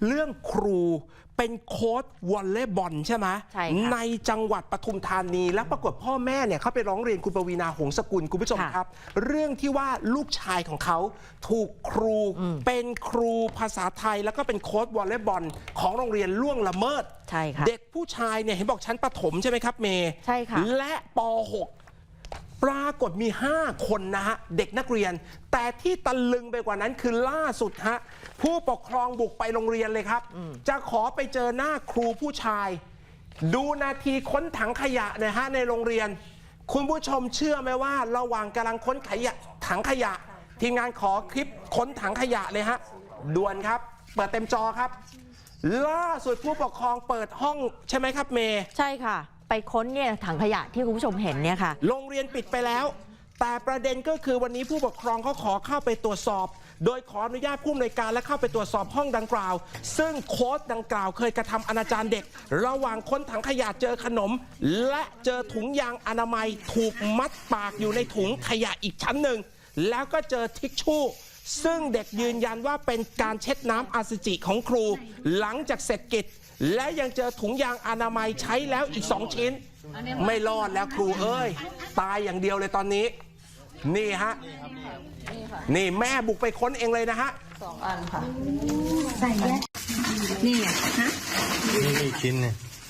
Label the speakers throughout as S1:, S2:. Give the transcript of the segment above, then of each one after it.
S1: เรื่องครูเป็นโค้ชวอลเลย์บอลใช่ไหม
S2: ใช่ค่ะ
S1: ในจังหวัดปทุมธานีและปรากฏพ่อแม่เนี่ยเขาไปร้องเรียนคุณปวีณาหงสกุลคุณผู้ชมครับ เรื่องที่ว่าลูกชายของเขาถูกครูเป็นครูภาษาไทยแล้วก็เป็นโค้ชวอลเลย์บอลของโรงเรียนล่วงละเมิด
S2: ใช่ค่ะ
S1: เด็กผู้ชายเนี่ยเห็นบอกชั้นประถมใช่ไหมครับเมย์
S2: ใช่ค่ะ
S1: และป .6 ปรากฏมี 5 คนนะฮะเด็กนักเรียน แต่ที่ตะลึงไปกว่านั้นคือล่าสุดฮะผู้ปกครองบุกไปโรงเรียนเลยครับ จะขอไปเจอหน้าครูผู้ชาย ดูนาทีค้นถังขยะนะฮะในโรงเรียน คุณผู้ชมเชื่อไหมว่าระหว่างกำลังค้นถังขยะ ทีมงานขอคลิปค้นถังขยะเลยฮะด่วนครับ เปิดเต็มจอครับ ล่าสุดผู้ปกครองเปิดห้องใช่ไหมครับเมย์
S2: ใช่ค่ะ ไปค้นเนี่ยถังขยะที่คุณผู้ชมเห็นเนี่ยค่ะ
S1: โรงเรียนปิดไปแล้ว แต่ประเด็นก็คือวันนี้ผู้ปกครองเขาขอเข้าไปตรวจสอบ โดยขออนุญาตผู้อำนวยการและเข้าไปตรวจสอบห้องดังกล่าว ซึ่งโค้ชดังกล่าวเคยกระทำอนาจารเด็ก ระหว่างค้นถังขยะเจอขนม และเจอถุงยางอนามัยถูกมัดปากอยู่ในถุงขยะอีกชั้นหนึ่ง แล้วก็เจอทิชชู่ ซึ่งเด็กยืนยันว่าเป็นการเช็ดน้ำอสุจิของครู หลังจากเสร็จกิจ และยังเจอถุงยางอนามัยใช้แล้วอีก2 ชิ้น ไม่รอดแล้วครูเอ้ยตายอย่างเดียวเลยตอนนี้ นี่ฮะนี่แม่บุกไปค้นเองเลยนะฮะ
S2: 2 อันค่ะ
S3: ใส่แยกนี่ฮะ
S4: นี่ชิ้นเนี่ย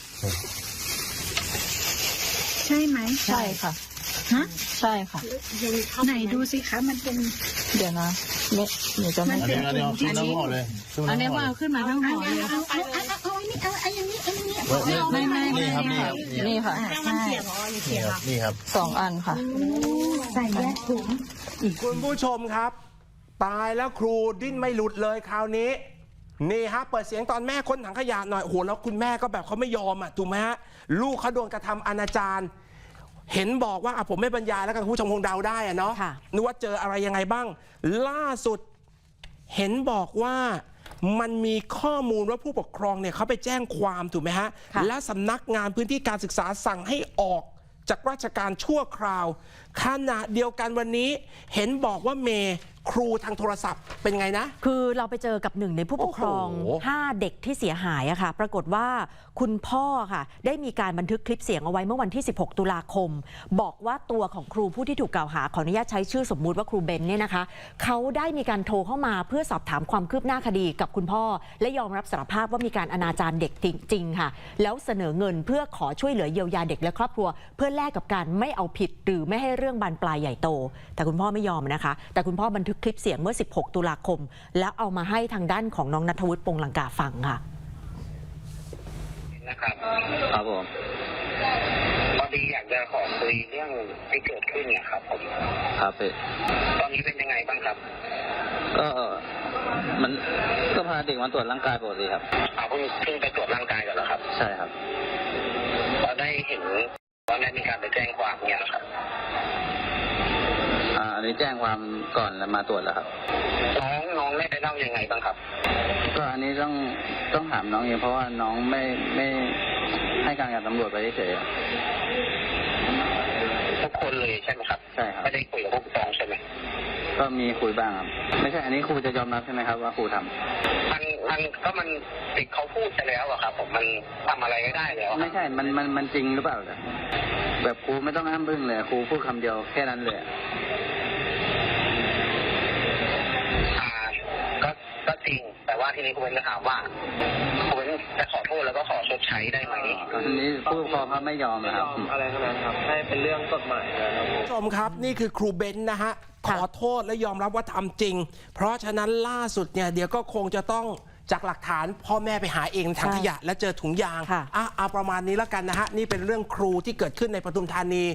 S3: ใช่ไหม
S2: ใช่ค่ะ
S3: ฮะ
S2: ใช่ค่ะ
S3: ไหนดูสิคะมันเป็น
S2: เดี๋ยวนะเดี๋ยวจะไม่
S4: อันนี้เอาขึ้นทั้งห่อเลย
S3: อันนี้ว่าเอาขึ้นมาทั้งห่อเลยเอาอันนี้เอาอันนี้อันนี้ไม่
S4: นี่ครับนี่ครับ
S2: นี่ค่ะ
S3: ใช่
S4: นี่ครับ
S2: 2 อันค่ะ
S3: ใส่แยกถุง
S1: คุณผู้ชมครับ ตายแล้วครูดิ้นไม่หลุดเลยคราวนี้ นี่ฮะเปิดเสียงตอนแม่ค้นถังขยะหน่อยโอ้โหแล้วคุณแม่ก็แบบเขาไม่ยอมอ่ะถูกไหมฮะลูกเขาโดนกระทำอนาจารเห็นบอกว่าผมไม่บรรยายแล้วกันคุณผู้ชมคงเดาได้อะเนาะ
S2: ค่ะ
S1: นึกว่าเจออะไรยังไงบ้าง ล่าสุดเห็นบอกว่ามันมีข้อมูลว่าผู้ปกครองเนี่ยเขาไปแจ้งความถูกไหมฮะ
S2: ค่ะ
S1: และสำนักงานพื้นที่การศึกษาสั่งให้ออกจากราชการชั่วคราวขณะเดียวกันวันนี้เห็นบอกว่าเมย์ครูทางโทรศัพท์เป็นไงนะ
S2: คือเราไปเจอกับหนึ่งในผู้ปกครอง
S1: โอ้โห
S2: 5 เด็กที่เสียหายอะค่ะ ปรากฏว่าคุณพ่อค่ะ ได้มีการบันทึกคลิปเสียงเอาไว้เมื่อวันที่ 16 ตุลาคม บอกว่าตัวของครูผู้ที่ถูกกล่าวหาขออนุญาตใช้ชื่อสมมุติว่าครูเบนเนี่ยนะคะเขาได้มีการโทรเข้ามาเพื่อสอบถามความคืบหน้าคดีกับคุณพ่อ และยอมรับสารภาพว่ามีการอนาจารเด็กจริงๆค่ะ แล้วเสนอเงินเพื่อขอช่วยเหลือเยียวยาเด็กและครอบครัว เพื่อแลกกับการไม่เอาผิดหรือไม่ให้เรื่องบานปลายใหญ่โต แต่คุณพ่อไม่ยอมนะคะ แต่คุณพ่อบันทึกคลิปเสียงเมื่อ 16 ตุลาคม แล้วเอามาให้ทางด้านของน้องณัฐวุฒิ ปงลังกาฟังค่ะ
S5: นะครับ
S4: ครับผม
S5: พอดีอยากจะขอคุยเรื่องที่เกิดขึ้นเนี่ยครับผม
S4: ครับพี่
S5: ตอนนี้เป็นยังไงบ้างครับ
S4: ก็มันก็พาเด็กมาตรวจร่างกายปกติครับ
S5: เพิ่งไปตรวจร่างกายกันแล้วครับ
S4: ใช่ครับ
S5: เราได้เห็นว่าได้มีการไปแจ้งความเนี่ยนะครับ
S4: อันนี้แจ้งความก่อนแล้วมาตรวจแล้วครับ
S5: น้องได้ไปเล่ายังไงบ้างครับ
S4: ก็อันนี้ต้องถามน้องเองเพราะว่าน้องไม่ให้การกับตำรวจไปเฉยๆครับ
S5: ทุกคนเลยใช่ไหมครับ
S4: ใช่ครับ
S5: ไม่ได้คุยกับผู้ปกครองใช่ไหม
S4: ก็มีคุยบ้างครับ ไม่ใช่อันนี้ครูจะยอมรับใช่ไหมครับว่าครูทำ
S5: มันติดเขาพูดไปแล้วอะครับผมมันทำอะไรไม่ได้แล้วอะ
S4: ไม่ใช่ มันจริงหรือเปล่าล่ะแบบครูไม่ต้องอ้ำพึ่งเลยครูพูดคำเดียวแค่นั้นเลย
S5: ก็จริง แต่ว่าทีนี้คุณเป็นจะถามว่าคุณเป็นจะขอโทษแล้วก็ขอชดใช้ได้ไหม
S4: อันนี้ผู้ปกครองเขาไม่ยอมนะครับ
S6: อะไรทั้งนั้นครับให้เป็นเรื่องกฎหมายนะครับ
S1: คุณผู้ชมครับนี่คือครูเบนซ์นะฮะขอโทษและยอมรับว่าทำจริง เพราะฉะนั้นล่าสุดเนี่ยเดี๋ยวก็คงจะต้องจากหลักฐานพ่อแม่ไปหาเองถังขยะและเจอถุงยาง
S2: ค่ะ
S1: เอาประมาณนี้แล้วกันนะฮะนี่เป็นเรื่องครูที่เกิดขึ้นในปทุมธานี